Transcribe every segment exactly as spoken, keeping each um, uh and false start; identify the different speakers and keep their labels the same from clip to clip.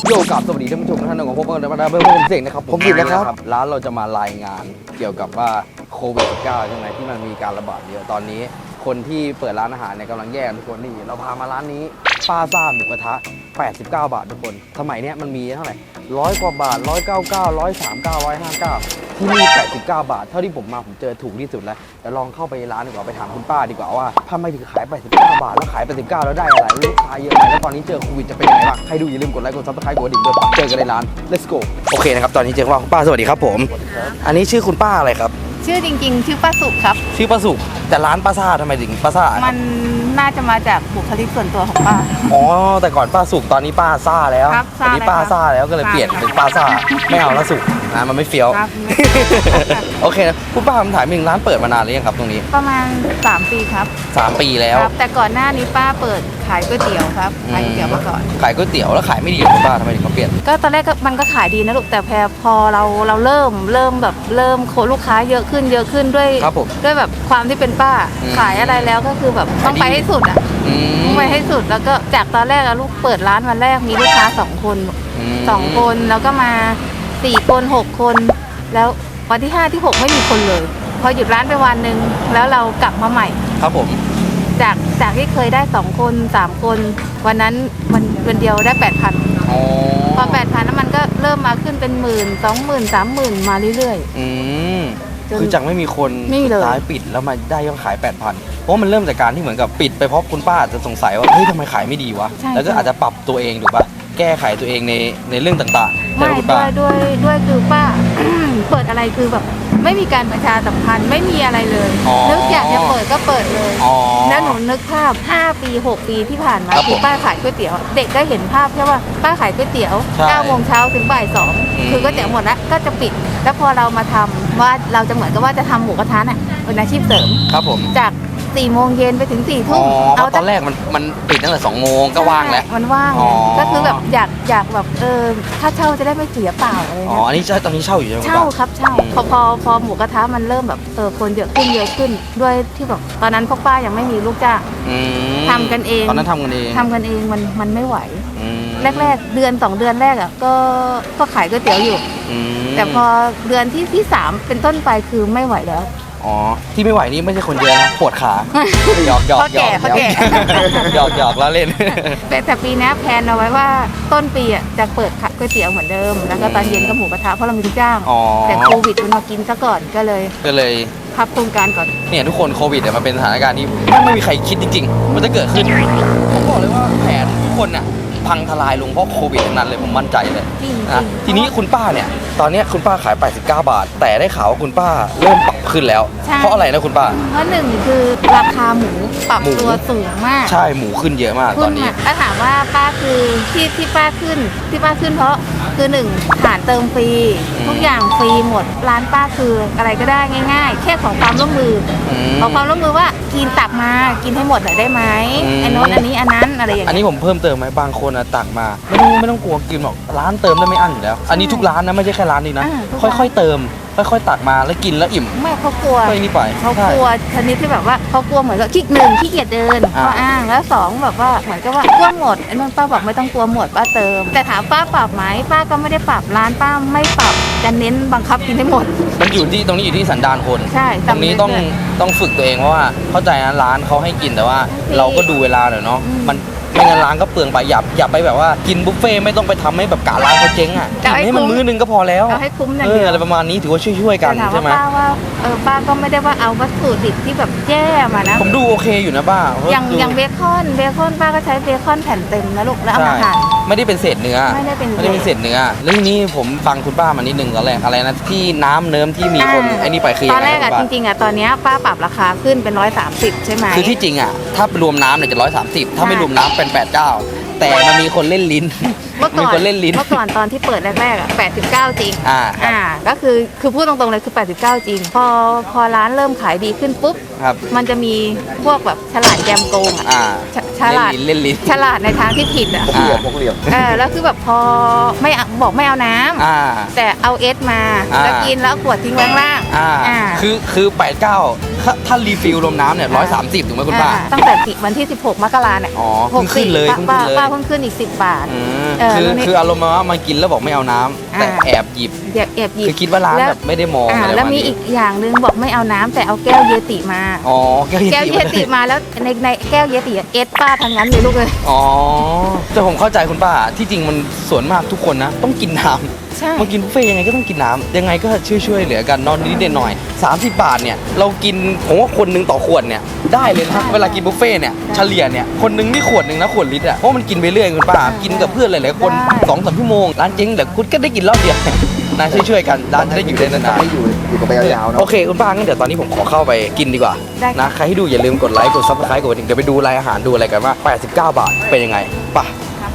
Speaker 1: โยกับสวัสดีท่านผู้ชมทุกท่านของผมเพื่อนๆเพื่อนผมเสกนะครับผมสิบนะครับร้านเราจะมารายงานเกี่ยวกับว่าโควิด สิบเก้า ใช่ไหมที่มันมีการระบาดเยอะตอนนี้คนที่เปิดร้านอาหารเนี่ยกำลังแย่ทุกคนนี่เราพามาร้านนี้ป้าซ่าหมูกระทะแปดสิบเก้าบาททุกคนสมัยเนี้ยมันมีเท่าไหร่ร้อยกว่าบาทหนึ่งร้อยเก้าสิบเก้า หนึ่งร้อยสามสิบเก้า หนึ่งร้อยห้าสิบเก้าที่นี่แปดสิบเก้าบาทเท่าที่ผมมาผมเจอถูกที่สุดแล้วเดี๋ยวลองเข้าไปร้านดีกว่าไปถามคุณป้าดีกว่าว่าทำไมถึงขายแปดสิบเก้าบาทแล้วขายแปดสิบเก้าแล้วได้อะไรลูกค้าเยอะไหมแล้วตอนนี้เจอโควิดจะเป็นยังไงบ้างใครดูอย่าลืมกดไลค์กดซับสไครต์กดกระดิ่งด้วยเจอกันในร้าน let's go โอเคนะครับตอนนี้เจอว่าคุณป้าสวัสดีครับผมอันนี้ชื่อคุณป้าอะไรครับ
Speaker 2: ชื่อจริงๆชื่อป้าสุขครับ
Speaker 1: ชื่อป้าสุขแต่ร้านป้าซ่าทำไมถึงป้าซ่า
Speaker 2: มันน่าจะมาจากบุคลิกส่วนตัวของป้า
Speaker 1: อ๋อแต่ก่อนป้าสุขตอนนี้ป้าซ่าแล้วตอนนี้ป้าซ่าแล้วก็เลยเปลี่ยนเป็นป้าซ่าไม่เอาแล้วสุขนะมันไม่เฟี้ยวโอเคนะคุณป้าผมถามหนึ่งร้านเปิดมานานหรือยังครับตรงนี้
Speaker 2: ประมาณสามปีครับ
Speaker 1: สามปีแล้ว
Speaker 2: แต่ก่อนหน้านี้ป้าเปิดขายก๋วยเตี๋ยวครับขายก๋วยเตี๋ยวมาก่อน
Speaker 1: ขายก๋วยเตี๋ยวแล้วขายไม่ดีหรอคุณป้าทำไมถึงเขาเปลี่ยน
Speaker 2: ก็ตอนแรกมันก็ขายดีนะลูกแต่พอพอเราเราเริ่มเริ่มแบบเริ่มโคลูกค้าเยอะขึ้นเยอะขึ้นด้วยด้วยแบบความที่เป็นป้าขายอะไรแล้วก็คือแบบต้องไปให้สุดอ่ะต้องไปให้สุดแล้วก็จากตอนแรกลูกเปิดร้านวันแรกมีลูกค้าสองคนสองคนแล้วก็มาสี่คนหกคนแล้ววันที่ห้าที่หกไม่มีคนเลยพอหยุดร้านไปวันหนึ่งแล้วเรากลับมาใหม่
Speaker 1: ครับผม
Speaker 2: จากจากที่เคยได้สองคนสามคนวันนั้นวันวันเดียวได้แปดพันพอแปดพันแล้วมันก็เริ่มมาขึ้นเป็นหมื่นสองหมื่นสามหมื่นมาเรื่อย
Speaker 1: ๆอืมคือจากไม่มีคนสุดท้ายปิดแล้วมาได้ยอดขายแปดพันเพราะมันเริ่มจากการที่เหมือนกับปิดไปเพราะคุณป้าจะสงสัยว่าเฮ้ยทำไมขายไม่ดีวะแล้วก็อาจจะปรับตัวเองถูกป่ะแก้ไขตัวเองในในเรื่องต่าง
Speaker 2: ๆไม่ด้วยด้วยด้วยคือป้า เปิดอะไรคือแบบไม่มีการประชาสัมพันธ์ไม่มีอะไรเลยนึกอยากจะเปิดก็เปิดเลยแล้วหนูนึกภาพห้าปีหกปีที่ผ่านมาคือป้าขายก๋วยเตี๋ยวเด็กก็เห็นภาพแค่ว่าป้าขายก๋วยเตี๋ยวเก้าโมงเช้าถึงบ่ายสองคือก๋วยเตี๋ยวหมดแล้วก็จะปิดแล้วพอเรามาทำว่าเราจะเหมือนกับว่าจะทำหมูกระทะน่ะเป็นอาชีพเสริม
Speaker 1: ครับผม
Speaker 2: จากสี่โมงเย็นไปถึงสี่ทุ่ม
Speaker 1: เอาตอนแรกมันมันปิดตั้งแต่สองโมงก็ว่างแล้ว
Speaker 2: มันว่างก็คือแบบอยากอยากแบบเออถ้าเช่าจะได้ไม่เสียเปล่าอะไร
Speaker 1: อ๋ออันนี้ตอนนี้เช่าอยู่ใช่ไหม
Speaker 2: เช่าครับเช่าพอพอพอหมูกระทะมันเริ่มแบบเออคนเยอะขึ้นเยอะขึ้นด้วยที่แบบตอนนั้นพวกป้ายังไม่มีลูกจ้างทำกันเอง
Speaker 1: ตอนนั้นทำกันเอง
Speaker 2: ทำกันเองมันมันไม่ไหวแรกๆเดือนสองเดือนแรกอ่ะก็ก็ขายก๋วยเตี๋ยวอยู่แต่พอเดือนที่ที่สามเป็นต้นไปคือไม่ไหวแล้ว
Speaker 1: อ๋อที่ไม่ไหวนี่ไม่ใช่คนเยอะนะปวดขาหยอกหยอกหยอกหยอกหยอกแล้วเล่น
Speaker 2: แต่แต่ปีนี้แพลนเอาไว้ว่าต้นปีอ่ะจะเปิดขายก๋วยเตี๋ยวเหมือนเดิมแล้วก็ตอนเย็นก็หมูกระทะเพราะเรามีลูกจ้างแต่โควิดมันมากินซะก่อนก็เลย
Speaker 1: ก็เลย
Speaker 2: พับโครงการก่อน
Speaker 1: เนี่ยทุกคนโควิดเนี่ยมันเป็นสถานการณ์ที่ไม่มีใครคิดจริงๆมันจะเกิดขึ้นผมบอกเลยว่าแผนทุกคนน่ะพังทลายลงเพราะโควิดทั้งนั้นเลยผมมั่นใจเลยนะทีนี้คุณป้าเนี่ยตอนนี้คุณป้าขายแปดสิบเก้าบาทแต่ได้ข่าวว่าคุณป้าเริ่มปรับขึ้นแล้วเพราะอะไรนะคุณป้า
Speaker 2: เพราะหนึ่งคือราคาหมูปรับตัวสูงมาก
Speaker 1: ใช่หมูขึ้นเยอะมากตอนนี้
Speaker 2: ถ้าถามว่าป้าคือที่ที่ป้าขึ้นที่ป้าขึ้นเพราะคือหนึ่งฐานเติมฟรีทุกอย่างฟรีหมดร้านป้าคืออะไรก็ได้ง่ายๆแค่ขอความร่วมมือขอความร่วมมือว่ากินตักมากินให้หมดหน่อยได้ไหมไอ้โน้นอันนี้อันนั้นอะไรอย่างเงี้ย
Speaker 1: อันนี้ผมเพิ่มเติมไหมบางคนตักมาไม่ต้องไม่ต้องกลัวกินหรอกร้านเติมได้ไม่อั้นอยู่แล้วอันนี้ทุกร้านนะไม่ใช่แค่ร้านนี้นะค่อยๆเติมค่อยๆตักมาแล้วกินแล้วอิ่ม
Speaker 2: ไม่เขากลัว
Speaker 1: ค่อยนี่ไป
Speaker 2: เขากลัวชนิดที่แบบว่าเขากลัวเหมือนกับขี้หนึ่งขี้เกียจเดินเขาอ้างแล้วสองแบบว่าเหมือนกับว่ากลัวหมดไอ้นั่นป้าบอกไม่ต้องกลัวหมดป้าเติมแต่ถามป้าปรับไหมป้าก็ไม่ได้ปรับร้านป้าไม่ปรับจะเน้นบังคับกินให้หมด
Speaker 1: มันอยู่ที่ตรงนี้อยู่ที่สันดานคน
Speaker 2: ใช่
Speaker 1: ตรงนี้ต้องต้องฝึกตัวเองเพราะว่าเข้าใจนะร้านเขาให้กินแต่ว่าเราก็ดูเวลาหน่อยเนาะมันไม่งั้นร้านก็เปลืองไปอย่าอย่าไปแบบว่ากินบุฟเฟ่ไม่ต้องไปทำให้แบบกะร้านเขาเจ๊งอ่ะกินให้มันมื้อนึงก็พอแล้ว
Speaker 2: ให้คุ้มอย่าง
Speaker 1: เดียวอะไรประมาณนี้ถือว่าช่วยๆกันใช่ไหม
Speaker 2: ป้าว่าเออป้าก็ไม่ได้ว่าเอาวัตถุดิบที่แบบแย่มานะ
Speaker 1: ผมดูโอเคอยู่นะป้า
Speaker 2: อย่างอย่างเบคอนเบคอนป้าก็ใช้เบคอนแผ่นเต็มนะลูกแล้วเอามาหั่น
Speaker 1: ไม่ได้เป็นเศษเนื้อ
Speaker 2: ไม่ได้เป็น
Speaker 1: ไม่ได้เป็นเศษเนื้อเรื่องนี้ผมฟังคุณป้ามานิดนึงตอนแรกอะไรนะที่น้ำเนิ้มที่มีคนไอ้นี่ไปคือ
Speaker 2: ตอนแรกอ่ะจริงๆอ่ะตอนนี้ป้าปรับราคาขึ้นเป็นร้อยสามสิบใช่ไหม
Speaker 1: คือที่จริงอ่ะถ้ารวมน้ำเนี่ยจะร้อยสามสิบถ้าไม่รวมน้ำเป็นแปดเก้าแต่มันมีคนเล่นลิ้น
Speaker 2: เมื่อก่อนเล่นลิ้นเมื่อก่อนตอนที่เปิดแรกๆอ่ะแปดสิบเก้าจริง
Speaker 1: อ่า
Speaker 2: อ่าก็คือคือพูดตรงๆเลยคือแปดสิบเก้าจริงพอพอร้านเริ่มขายดีขึ้นปุ๊บมันจะมีพวกแบบฉลาดแกมโกงอ่ะฉลาด
Speaker 1: เล่นลิ้น
Speaker 2: ฉลาดในทางที่ผิดอ่ะ
Speaker 1: พกเหลี่ยมพกเหลี่ยม
Speaker 2: เออแล้วคือแบบพอไม่บอกไม่เอาน้ำแต่เอาเอสมาแล้วกินแล้วขวดทิ้งไว้ข้างล่าง
Speaker 1: อ่าคือคือแปดเก้าถ้าถ้ารีฟิลรวมน้ำเนี่ยร้อยสามสิบถูกไหมคุณป้า
Speaker 2: อ่ตั้งแต่วันที่สิบหกมกราเนี่ย
Speaker 1: อ๋อเพิ่งขึ้นเลย
Speaker 2: ป้า
Speaker 1: เพิ่ง
Speaker 2: ป้า
Speaker 1: ขึ้นเลย
Speaker 2: ป้าเพิ่งขึ้นอีกสิบบาท
Speaker 1: อืม
Speaker 2: เออ
Speaker 1: คือ
Speaker 2: แล้วนี่
Speaker 1: คืออารมณ์ว่ามากินแล้วบอกไม่เอาน้ำแต่
Speaker 2: อ่า
Speaker 1: แอบหยิบ
Speaker 2: แอบแอบหยิบ
Speaker 1: คือคิดว่าร้าน
Speaker 2: แล้ว
Speaker 1: แบบไม่ได้มอง
Speaker 2: อ่า
Speaker 1: อะไร
Speaker 2: แล้ว
Speaker 1: ประาณ
Speaker 2: มี
Speaker 1: นี้
Speaker 2: อีกอย่างหนึงบอกไม่เอาน้ำแต่เอาแก้วเยติมา
Speaker 1: อ๋อแก้วเย
Speaker 2: แก้ว
Speaker 1: ติ
Speaker 2: เยติมาแล้วในในแก้วเยติเอสป้าทั้งนั้นเลยลูกเลย
Speaker 1: อ๋อแต่ผมเข้าใจคุณป้าที่จริงมันส่วนมากทุกคนนะต้องกินน้ำ
Speaker 2: ใช่
Speaker 1: มากินบุฟเฟ่ต์ยังไงก็ต้องกินน้ำยังไงก็ช่วยช่วยเหลือกันนอนนิดๆหน่อยๆสามสิบบาทเนี่ยเรากินผมว่าคนหนึงต่อขวดเนี่ยได้เลยนะเวลากินบุฟเฟ่ต์เนี่ยเฉลี่ยเนี่ยคนหนึงนี่ขวดหนึ่งนะขวดลิตรอ่ะเพราะมันกินไปเรื่อยคุณป้ากินกับเพื่อนหลายๆคนสองสามชั่วโมงร้านเจ๊งแต่คุณก็ได้กินรอบเดียวนะช่วยๆกันร้านจะได้อยู่ได้นาน
Speaker 3: ให้อยู่อยู่กับไปยาวๆ
Speaker 1: ๆ
Speaker 3: เนาะ
Speaker 1: โอเคคุณป้างั้นเดี๋ยวตอนนี้ผมขอเข้าไปกินดีกว่า
Speaker 2: ได้
Speaker 1: นะใครที่ดูอย่าลืมกดไลค์กดซับสไครต์กดกระดิ่งเดี๋ยวไปดูรายอาหารดูอะไรกันว่าแปดสิบเก้าบาทเป็นยังไงไป่ะ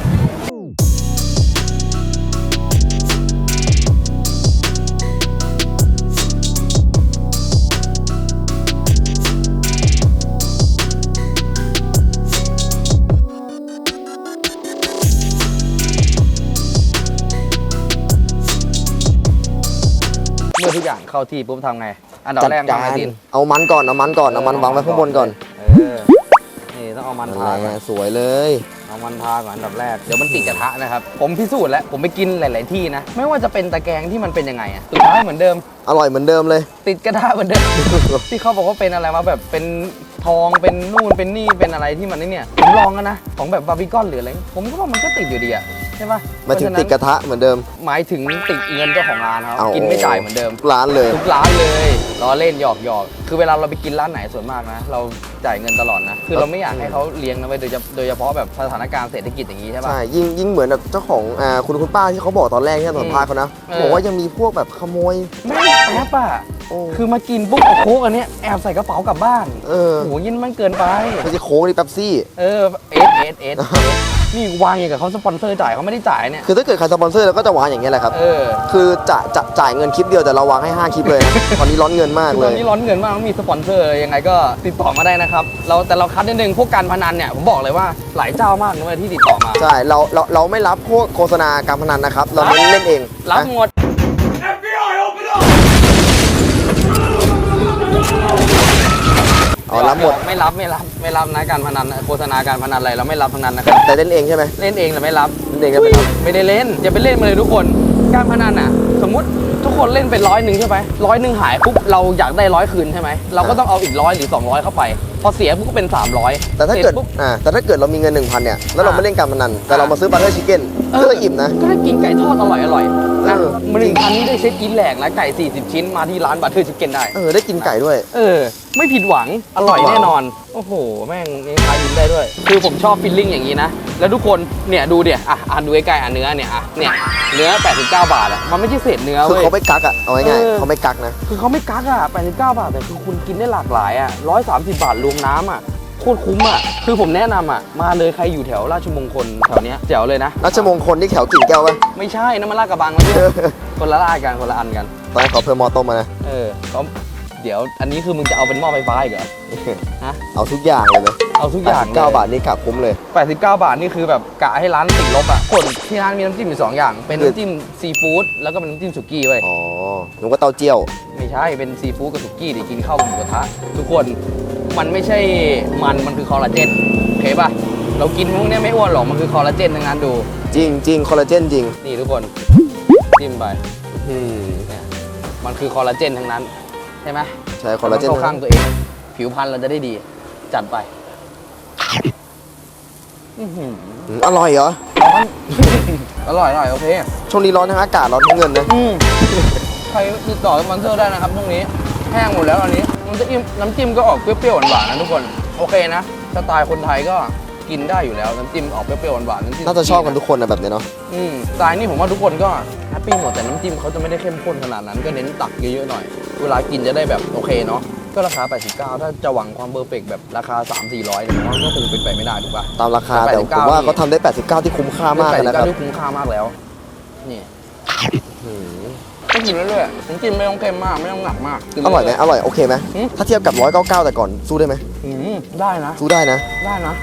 Speaker 1: เมื่อทุกอย่างเข้าที่ปุ๊บทำไง อันดับ
Speaker 3: จัด
Speaker 1: แรก
Speaker 3: กา
Speaker 1: ทำไง
Speaker 3: ร
Speaker 1: ดิน
Speaker 3: เอามันก่อนเอามันก่อนเอามันวางไว้ข้างบนก่อน
Speaker 1: เออ นี่ต้องเอามันทาก่อน
Speaker 3: สวยเลย
Speaker 1: เอามันทาก่อนอันดับแรก เดี๋ยวมันติดกระทะนะครับ ผมพิสูจน์แล้ว ผมไปกินหลาย ๆ ที่นะ ไม่ว่าจะเป็นตะแกรงที่มันเป็นยังไงอะสุดท้ายเหมือนเดิม
Speaker 3: อร่อยเหมือนเดิมเลย
Speaker 1: ติดกระทะเหมือนเดิม ที่เขาบอกว่าเป็นอะไรมาแบบเป็นทอง เป็นนู่น เป็นนี่ เป็นอะไรที่มันนี่เนี่ย ผมลองแล้วนะ ของแบบบาร์บีคอนหรืออะไร ผมก็ว่ามันก็ติดอยู่ดีอะใช่ปะ
Speaker 3: มาถึงติดกระทะเหมือนเดิม
Speaker 1: หมายถึงติดเงินเจ้าของร้านเขา
Speaker 3: เอา
Speaker 1: กินไม่จ่ายเหมือนเดิม
Speaker 3: ร้านเลย
Speaker 1: ทุกร้านเลยล้อเล่นหยอกหยอกคือเวลาเราไปกินร้านไหนส่วนมากนะ เราจ่ายเงินตลอดนะ คือเราไม่อยากให้เขาเลี้ยงนะเว้ยโดยเฉโดยเฉพาะแบบสถานการณ์เศรษฐกิจอย่างนี้ใช่ปะ
Speaker 3: ใช่ยิ่งยิ่งเหมือนแบบเจ้าของอ่าคุณคุณป้าที่เขาบอกตอนแรกที่สัมภาษณ์เขานะ
Speaker 1: เออ
Speaker 3: บอกว่ายังมีพวกแบบขโมย
Speaker 1: ไม่แอบอะ
Speaker 3: โอ้
Speaker 1: คือมากินปุ๊บเอาโค้กอันเนี้ยแอบใส่กระเป๋ากลับบ้าน
Speaker 3: เออ
Speaker 1: โอ้โหยินมันเกินไป
Speaker 3: ไม่ใช่โค้กนี่เป๊ปซี่
Speaker 1: เออเอสเอสเอสนี่วางอย่างกับเขาสปอนเซอร์จ่ายเขาไม่ได้จ่ายเนี่ย
Speaker 3: คือถ้าเกิดใครสปอนเซอร์เราก็จะวางอย่างเงี้ยแหละครับ
Speaker 1: เออ
Speaker 3: คือจะจะจ่ายเงินคลิปเดียวแต่เราวางให้ห้าคลิปเลยนะ ตอนนี้ร้อนเงินมาก
Speaker 1: คือ
Speaker 3: เล
Speaker 1: ตอน
Speaker 3: ย
Speaker 1: นี้ร้อนเงินมากต้องมีสปอนเซอร์ยังไงก็ติดต่อมาได้นะครับเราแต่เราคัดนิดนึงพวกการพนันเนี่ยผมบอกเลยว่าหลายเจ้ามากนะเว้ยที่ติดต่อมา
Speaker 3: ใช่เราเราเราไม่รับพวกโฆษณาการพนันนะครับ เราเน้นเล่นเอง
Speaker 1: รับ
Speaker 3: นะ
Speaker 1: หมด
Speaker 3: อ๋อรับหมด
Speaker 1: ไม่รับไม่รับไม่รับนะการพนันโฆษณาการพนันอะไรเราไม่รับทั้งนั้นนะครับ
Speaker 3: แต่เล่นเองใช่ไหม
Speaker 1: เล่นเองแต่ไม่รับ
Speaker 3: เล่นเองก็ไม่รับ
Speaker 1: ไม่ได้เล่นอย่าไปเล่นมาเลยทุกคนการพนันอ่ะ สมมุติทุกคนเล่นไปร้อยหนึ่งใช่ไหมร้อยหนึ่งหายปุ๊บเราอยากได้ร้อยคืนใช่ไหมเราก็ต้องเอาอีกร้อยหรือสองร้อยเข้าไป พอเสียปุ๊บก็เป็นสามร้อย
Speaker 3: แต่ถ้าเกิด
Speaker 1: ปุ๊บ
Speaker 3: อ่าแต่ถ้าเกิดเรามีเงินหนึ่งพันเนี่ยแล้วเรา
Speaker 1: อ่า
Speaker 3: ไม่เล่นการพนันแต่เรามาซื้อบัตเตอร์ชิคเก้นก็จะอิ่มนะ
Speaker 1: ก็ได้กินไก่ทอดอร่อยอร่อยๆนะ
Speaker 3: เออ
Speaker 1: มันหนึ่งพันนี่ได้เซ็ตกินแหลกนะไก่สี่สิบชิ้นมาที่ร้านบัตเทอร์ชิคเก้นได้
Speaker 3: เออได้กินไก่ด้วย
Speaker 1: เออ ไม่ผิดหวังอร่อยแน่นอน โอ้โห แม่งยังขายดินได้ด้วย คือผมชอบฟิลลิ่งอย่างนี้นะ แล้วทุกคนเนี่ยดูเดี๋ยอ่ะอ่ะดูใกล้ๆอ่ะเนื้อเนี่ยอ่ะเนี่ยเนื้อแปดสิบเก้าบาทอ่ะมันไม่ใช่เศษเนื้อ
Speaker 3: คือ
Speaker 1: เว้ย
Speaker 3: เขาไม่กักอ่ะเอาง่าย
Speaker 1: เออ
Speaker 3: ๆเขาไม่กักนะ
Speaker 1: คือเขาไม่กักอ่ะแปดสิบเก้าบาทแต่คือคุณกินได้หลากหลายอ่ะร้อยสามสิบบาทรวมน้ำอ่ะโคตรคุ้มอ่ะคือผมแนะนำอ่ะมาเลยใครอยู่แถวราชมงคลแถวเนี้ยแจ๋วเลยนะ
Speaker 3: ราชมงคลที่แถวกิ่งแก้วป่ะ
Speaker 1: ไม่ใช่น้ำมันลาดกระบังนะพี่คนละลาดกันคนละอันกัน
Speaker 3: ตอนนั้นขอเพิ่มมอต้มมานะ
Speaker 1: เออเขาเดี๋ยวอันนี้คือมึงจะเอาเป็นหม้อไฟฟ้าอีกเหรอฮะ
Speaker 3: เอาทุกอย่างเลยนะ
Speaker 1: เอาทุกอย่าง
Speaker 3: เก้าบาทนี่กะคุ้มเลย
Speaker 1: แปดสิบเก้าบาทนี่คือแบบกะให้ร้านติดลบอ่ะคนที่ร้านมีน้ำจิ้มอยู่สองอย่าง เป็นน้ำจิ้มซีฟู้ดแล้วก็เป็นน้ำจิ้มสุกี้เว้ย
Speaker 3: อ๋อหนูก็เต้าเจี้ยว
Speaker 1: ไม่ใช่เป็นซีฟู้ดกับสุกี้ดิกินข้าวกับหมูกระทะทุกคนมันไม่ใช่มันมันคือคอลลาเจนโอเคป่ะเรากินพวกเนี้ยไม่อ้วนหรอกมันคือคอลลาเจนทั้งนั้นดู
Speaker 3: จริงจริงคอลลาเจนจริง
Speaker 1: นี่ทุกคนจิ้มไป
Speaker 3: อืม
Speaker 1: เนี่ยมันคือคอลลาเจนทั้งนั้นใช่ไหม
Speaker 3: ใช่คอลลาเจน
Speaker 1: เข้าข้างตัวเอง ผิวพรรณเราจะได้ดี จัดไปอื้อหือ
Speaker 3: อืมอร่อยเหรอ
Speaker 1: อร่อยอร่อยโอเค
Speaker 3: ช่วงนี้ร้อนทั้งอากาศร้อนทั้งเงินนะ
Speaker 1: อืมใครติดต่อสปอนเซอร์ได้นะครับพรุ่งนี้แห้งหมดแล้วอันนี้น้ำจิ้มน้ำจิ้มก็ออกเปรี้ยวๆหวานๆนะทุกคนโอเคนะสไตล์คนไทยก็กินได้อยู่แล้วน้ำจิ้มออกเปรี้ยวๆหวานๆน้ำจิ้ม
Speaker 3: น่าจะชอบกันทุกคนนะแบบนี้เนาะ
Speaker 1: อืมสไตล์นี่ผมว่าทุกคนก็แฮปปี้หมดแต่น้ำจิ้มเขาจะไม่ได้เข้มข้นขนาดนั้นก็เน้นตักเยอะๆหน่อยเวลากินจะได้แบบโอเคเนาะก็ราคาแปดสิบเก้าถ้าจะหวังความเพอร์เฟกต์แบบราคา สามสี่ร้อยเนี่ยผมว่าก็คงเป็นไปไม่ได้ถูกป่ะ
Speaker 3: ตามราคา
Speaker 1: แต่
Speaker 3: แต่
Speaker 1: แปดสิบ
Speaker 3: ผ
Speaker 1: เก้า
Speaker 3: มว่าเขาทำได้แปดสิบเก้าที่คุ้มค่ามาก
Speaker 1: แปด
Speaker 3: เลย
Speaker 1: สิบ
Speaker 3: นะค
Speaker 1: เก้า
Speaker 3: รับ
Speaker 1: ที่คุ้มค่ามากแล้วนี่
Speaker 3: อืม
Speaker 1: ก็กินเรื่อยๆน้ำจิ้มไม่ต้องเค็มมากไม่ต้องหนักมากกิน
Speaker 3: อร่อยไหม
Speaker 1: เๆ
Speaker 3: อร่อยโอเคไหม
Speaker 1: หืม
Speaker 3: ถ้าเทียบกับร้อยเก้าเก้าแต่ก่อนสู้ได้ไหม
Speaker 1: อืมได้นะ
Speaker 3: สู้ได้นะ
Speaker 1: ได้นะ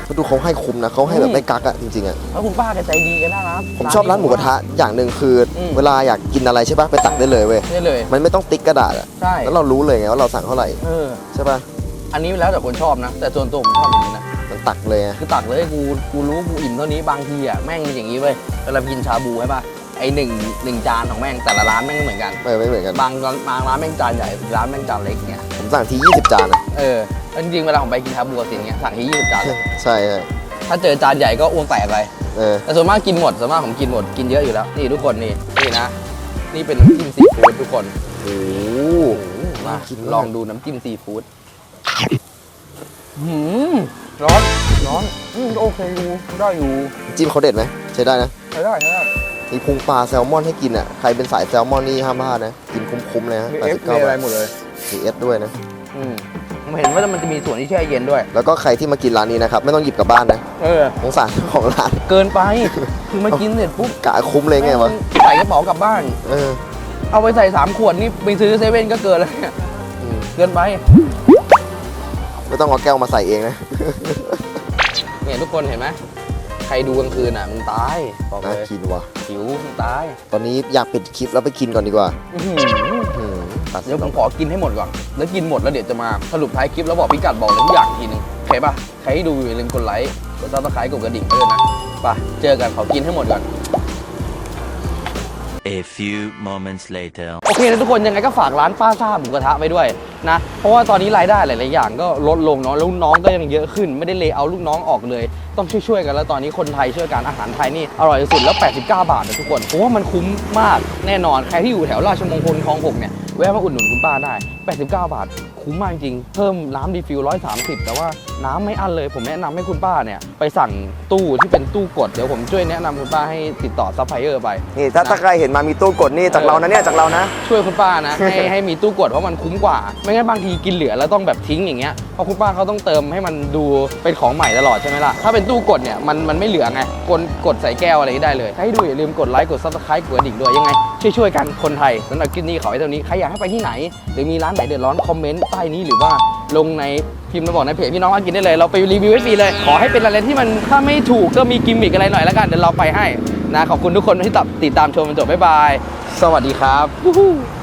Speaker 3: เขาดูเขาให้คุ้มนะเขาให้แบบไม่กักอะจริงๆอะ
Speaker 1: แล้วคุณป้าแกใจดีแกันน่ารัก
Speaker 3: ผมชอบร้านหมูกระทะอย่างหนึ่งคืออ
Speaker 1: ม
Speaker 3: เวลาอยากกินอะไรใช่ปะไปตักได้เลยเว้ย
Speaker 1: นี่เลย
Speaker 3: มันไม่ต้องติ๊กกระดาษอะ
Speaker 1: ใช่
Speaker 3: แล้วเรารู้เลยไงว่าเราสั่งเท่าไหร่
Speaker 1: เออ
Speaker 3: ใช่ปะ
Speaker 1: อันนี้แล้วแต่คนชอบนะ แต่ส่วนตัวผมชอบอย่างนี้นะ
Speaker 3: มันตักเลยไง
Speaker 1: คือตักเลยกูกูรู้กูอิ่มเท่านี้บางทีอ่ะแม่งมีอย่างนี้เว้ยเวลากินชาบูใช่ป่ะไอหนึ่งหนึ่งจานของแม่งแต่ละร้านแม่งไม่เหมือนกัน
Speaker 3: ไม่ไม่เหมือนกัน
Speaker 1: บางร้านบางร้านแม่งจานใหญ่ร้านแม่งจานเล็กเงี้ย
Speaker 3: ผมสั่งทียี่สิบจานอะ
Speaker 1: เออแล้วจริงๆเวลาผมไปกินชาบูกับสิ่งเงี้ยสั่งที่ยี่สิบจานเลย
Speaker 3: ใช่ใช่
Speaker 1: ถ้าเจอจานใหญ่ก็อ้วงแตกเลย
Speaker 3: เออ
Speaker 1: แต่ส่วนมากกินหมดส่วนมากผมกินหมดกินเยอะอยู่แล้วนี่ทุกคนนี่นี่นะนี่เป็นน้ำจิ้มซีฟู้ดทุกคน
Speaker 3: โอ้
Speaker 1: โอ้โหมา
Speaker 3: น่ากินมาก
Speaker 1: ลองดูน้ำจิ้มซีฟู้ดหืมร้อนร้อนอืมโอเคอยู่ได้อยู่
Speaker 3: จิ้มเขาเด็ดไหมใช้ได้นะ
Speaker 1: ใช้ได้ใช้ได้
Speaker 3: มีพุงปลาแซลมอนให้กินอ่ะใครเป็นสายแซลมอนนี่ห้ามพลาดนะกินคุ้มๆเลยฮะ
Speaker 1: มี
Speaker 3: แป
Speaker 1: เอ
Speaker 3: ด
Speaker 1: ฟ
Speaker 3: สิบเก้า
Speaker 1: มีอะไร
Speaker 3: บาท
Speaker 1: หมดเลย
Speaker 3: มีเอสด้วยนะ
Speaker 1: อืมผมเห็นว่ามันจะมีส่วนที่แช่เย็นด้วย
Speaker 3: แล้วก็ใครที่มากินร้านนี้นะครับไม่ต้องหยิบกลับบ้านนะ
Speaker 1: เออ
Speaker 3: สงสารเจ้าของร้าน
Speaker 1: เกินไป คือมากินเสร็จปุ๊บ
Speaker 3: กะคุ้มเลยไงวะ
Speaker 1: ใส่กระเป๋ากลับบ้าน
Speaker 3: เออ
Speaker 1: เอาไปใส่สามขวดนี่ไปซื้อเซเว่นก็เกินแล้วเนี่ย
Speaker 3: อืม
Speaker 1: เกินไป
Speaker 3: ไม่ต้องเอาแก้วมาใส่เองนะ
Speaker 1: เนี่ยทุกคนเห็นไหมใครดูกลางคืนอ่ะมึงตายบอก
Speaker 3: น่า
Speaker 1: เลย
Speaker 3: กินว่ะ
Speaker 1: หิวมึงตาย
Speaker 3: ตอนนี้อยากปิดคลิปแล้วไปกินก่อนดีกว่า
Speaker 1: อื้อหือ
Speaker 3: อืมตัด
Speaker 1: เดี๋ยวผมขอกินให้หมดก่อน แล้วกินหมดแล้วเดี๋ยวจะมาสรุปท้ายคลิปแล้วบอกพิกัดบอกเลยทุกอย่างอีกทีหนึงโอเคป่ะ ใครที่ดูอย่าลืมกดไลค์กดซับสไครต์กดกระดิ่งไว้ด้วยนะไปเจอกันขอกินให้หมดก่อน
Speaker 4: A few moments later.
Speaker 1: โอเคนะทุกคนยังไงก็ฝากร้านป้าซ่าหมูกระทะไว้ด้วยนะ เพราะว่าตอนนี้รายได้หลายๆอย่างก็ลดลงเนาะแล้วลูกน้องก็ยังเยอะขึ้น ไม่ได้เลเอาลูกน้องออกเลย ต้องช่วยๆกันแล้วตอนนี้คนไทยช่วยกันอาหารไทยนี่อร่อยที่สุดแล้วแปดสิบเก้าบาทนะทุกคนผมว่ามันคุ้มมากแน่นอนใครที่อยู่แถวราชมงคลคลองหกเนี่ยแวะมาอุดหนุนคุณป้าได้แปดสิบเก้าบาทคุ้มมากจริงเพิ่มน้ำรีฟิลหนึ่งร้อยสามสิบแต่ว่าน้ำไม่อั้นเลยผมแนะนำให้คุณป้าเนี่ยไปสั่งตู้ที่เป็นตู้กดเดี๋ยวผมช่วยแนะนำคุณป้าให้ติดต่อซัพพลายเออร์ไป
Speaker 3: นี่ถ้าถ้าใครเห็นมามีตู้กดนี่จากเรานะเนี่ยจากเรานะ
Speaker 1: ช่วยคุณป้านะ ให้ให้มีตู้กดเพราะมันคุ้มกว่า ไม่งั้นบางทีกินเหลือแล้วต้องแบบทิ้งอย่างเงี้ยเพราะคุณป้าเขาต้องเติมให้มันดูเป็นของใหม่ตลอดใช่ไหมล่ะถ้าเป็นตู้กดเนี่ยมันมันไม่เหลือไงกดกดใส่แก้วอะไรได้เลยให้ดูอย่าลืมกดไลค์กดซับสไครต์กดกระดิ่งด้วยยังไงช่วยๆกันคนไทยสำหรับคลิปนี้ขอไว้เท่านี้ใครอยากให้ไปที่ไหน หรือมีร้านไหนเดือดร้อนคอมเมนต์ใต้นี้หรือว่าลงในพิมพ์มาบอกในเพจพี่น้องมากินได้เลยเราไปรีวิวให้ฟรีเลยขอให้เป็นอะไรที่มันถ้าไม่ถูกก็มีกิมมิกอะไรหน่อยแล้วกันเดี๋ยวเราไปให้นะขอบคุณทุกคนที่ติดตามชมจนจบบ๊ายบายสวัสดีครับ